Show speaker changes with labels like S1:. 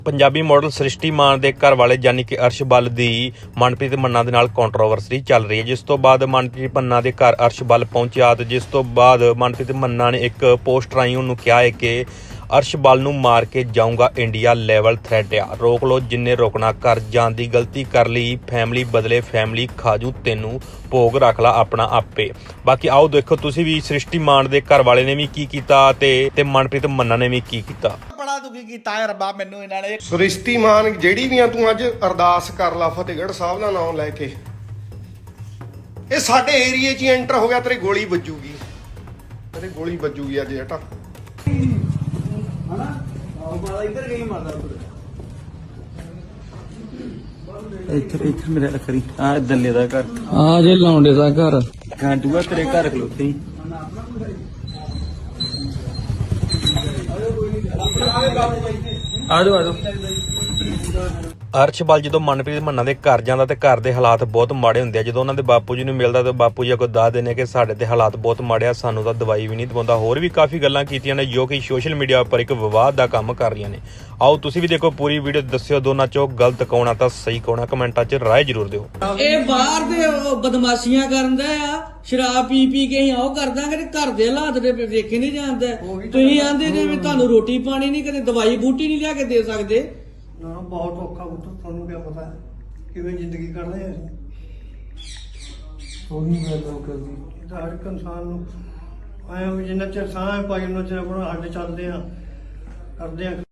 S1: Punjabi model ਸ੍ਰਿਸ਼ਟੀ ਮਾਨ ਦੇ ਘਰ ਵਾਲੇ ਯਾਨੀ ਕਿ ਅਰਸ਼ ਬੱਲ ਦੀ ਮਨਪ੍ਰੀਤ ਮੰਨਾ ਦੇ ਨਾਲ ਕੰਟਰੋਵਰਸੀ ਚੱਲ ਰਹੀ ਹੈ, ਜਿਸ ਤੋਂ ਬਾਅਦ ਮਨਪ੍ਰੀਤ ਮੰਨਾ ਦੇ ਘਰ ਅਰਸ਼ ਬੱਲ ਪਹੁੰਚਿਆ ਤੇ ਜਿਸ ਤੋਂ ਬਾਅਦ ਮਨਪ੍ਰੀਤ ਮੰਨਾ ਨੇ ਇੱਕ ਪੋਸਟ ਰਾਹੀਂ ਉਹਨੂੰ ਕਿਹਾ ਹੈ ਕਿ ਅਰਸ਼ ਬੱਲ ਨੂੰ ਮਾਰ ਕੇ ਜਾਊਂਗਾ, ਇੰਡੀਆ ਲੈਵਲ ਥ੍ਰੈਟ ਆ, ਰੋਕ ਲੋ ਜਿੰਨੇ ਰੋਕਣਾ, ਕਰ ਜਾਣ ਦੀ ਗਲਤੀ ਕਰ ਲਈ, ਫੈਮਿਲੀ ਬਦਲੇ ਫੈਮਿਲੀ ਖਾਜੂ, ਤੈਨੂੰ ਭੋਗ ਰੱਖ ਲਾ ਆਪਣਾ ਆਪੇ। ਬਾਕੀ ਆਓ ਦੇਖੋ ਤੁਸੀਂ ਵੀ ਸ੍ਰਿਸ਼ਟੀ ਮਾਨ ਦੇ ਘਰ ਵਾਲੇ ਨੇ ਵੀ ਕੀ ਕੀਤਾ ਤੇ ਮਨਪ੍ਰੀਤ ਮੰਨਾ ਨੇ ਵੀ ਕੀ ਕੀਤਾ।
S2: ਬੜਾ ਦੁਖੀ ਕੀਤਾ ਹੈ ਰੱਬਾ ਮੈਨੂੰ ਇਹਨਾਂ ਨੇ।
S3: ਸ੍ਰਿਸ਼ਟੀ ਮਾਨ ਜਿਹੜੀ ਵੀ ਆ ਤੂੰ ਅੱਜ ਅਰਦਾਸ ਕਰ ਲਾ ਫਤਿਹਗੜ੍ਹ ਸਾਹਿਬ ਦਾ ਨਾਮ ਲੈ ਕੇ, ਇਹ ਸਾਡੇ ਏਰੀਏ 'ਚ ਐਂਟਰ ਹੋ ਗਿਆ, ਤੇਰੀ ਗੋਲੀ ਵੱਜੂਗੀ, ਤੇਰੀ ਗੋਲੀ ਵੱਜੂਗੀ ਅੱਜ ਹਟਾ।
S4: ਇੱਥੇ ਮੇਰੇ ਲੱਕੜੀ ਆ ਦੱਲੇ ਦਾ ਘਰ
S5: ਆ ਜੇ ਲੌਂਡੇ ਦਾ ਘਰ
S4: ਗਾਂਟੂਆ ਤੇਰੇ ਘਰ ਖਲੋਤੇ ਹੀ। ਆ ਜਾਓ
S1: ਅਰਸ਼ ਬੱਲ ਜਦੋਂ ਮਨਪ੍ਰੀਤ ਮੰਨਾ ਦੇ ਘਰ ਜਾਂਦਾ ਤੇ ਘਰ ਦੇ ਹਾਲਾਤ ਬਹੁਤ ਮਾੜੇ ਹੁੰਦੇ ਆ। ਜਦੋਂ ਉਹਨਾਂ ਦੇ ਬਾਪੂ ਜੀ ਨੂੰ ਮਿਲਦਾ ਤੇ ਬਾਪੂ ਜੀ ਅੱਗੋਂ ਦੱਸਦੇ ਨੇ ਕਿ ਸਾਡੇ ਤੇ ਹਾਲਾਤ ਬਹੁਤ ਮਾੜੇ ਆ, ਸਾਨੂੰ ਤਾਂ ਦਵਾਈ ਵੀ ਨਹੀਂ ਦਵਾਉਂਦਾ। ਹੋਰ ਵੀ ਕਾਫੀ ਗੱਲਾਂ ਕੀਤੀਆਂ ਨੇ ਜੋ ਕਿ ਸੋਸ਼ਲ ਮੀਡੀਆ ਉੱਪਰ ਇੱਕ ਵਿਵਾਦ ਦਾ ਕੰਮ ਕਰ ਰਹੀਆਂ ਨੇ। ਆਓ ਤੁਸੀਂ ਵੀ ਦੇਖੋ ਪੂਰੀ ਵੀਡੀਓ, ਦੱਸਿਓ ਦੋਨਾਂ ਚੋਂ ਗਲਤ ਕੌਣ ਆ ਤਾਂ ਸਹੀ ਕੌਣ ਆ, ਕਮੈਂਟਾਂ 'ਚ ਰਾਏ ਜ਼ਰੂਰ ਦਿਓ।
S5: ਇਹ ਬਾਹਰ ਦੇ ਬਦਮਾਸ਼ੀਆਂ ਕਰਦਾ ਆ, ਸ਼ਰਾਬ ਪੀ ਕੇ ਹੀ ਉਹ ਕਰਦਾ ਕਿ ਘਰ ਦੇ ਹਾਲਾਤ ਦੇ ਵੇਖੇ ਨਹੀਂ ਜਾਂਦਾ। ਤੁਸੀਂ ਆਂਦੇ ਜਿਵੇਂ ਤੁਹਾਨੂੰ ਰੋਟੀ ਪਾਣੀ ਨਹੀਂ, ਕਦੇ ਦਵਾਈ ਬੂਟੀ ਨਹੀਂ ਲਿਆ ਕੇ ਦੇ ਸਕਦੇ।
S6: ਨਾ ਬਹੁਤ ਔਖਾ ਪੁੱਤ, ਤੁਹਾਨੂੰ ਕੀ ਪਤਾ ਕਿਵੇਂ ਜ਼ਿੰਦਗੀ ਕੱਢਦੇ ਆ ਅਸੀਂ। ਉਹੀ ਗੱਲ ਕਰਦੀ ਤਾਂ ਹਰ ਇੱਕ ਇਨਸਾਨ ਨੂੰ ਆਇਆ ਵੀ ਜਿੰਨਾ ਚਿਰ ਸਾਹ ਪਾਈ ਉਹਨਾਂ ਚਿਰ ਆਪਣਾ ਹੱਡ ਚੱਲਦੇ ਆ ਕਰਦੇ ਆ।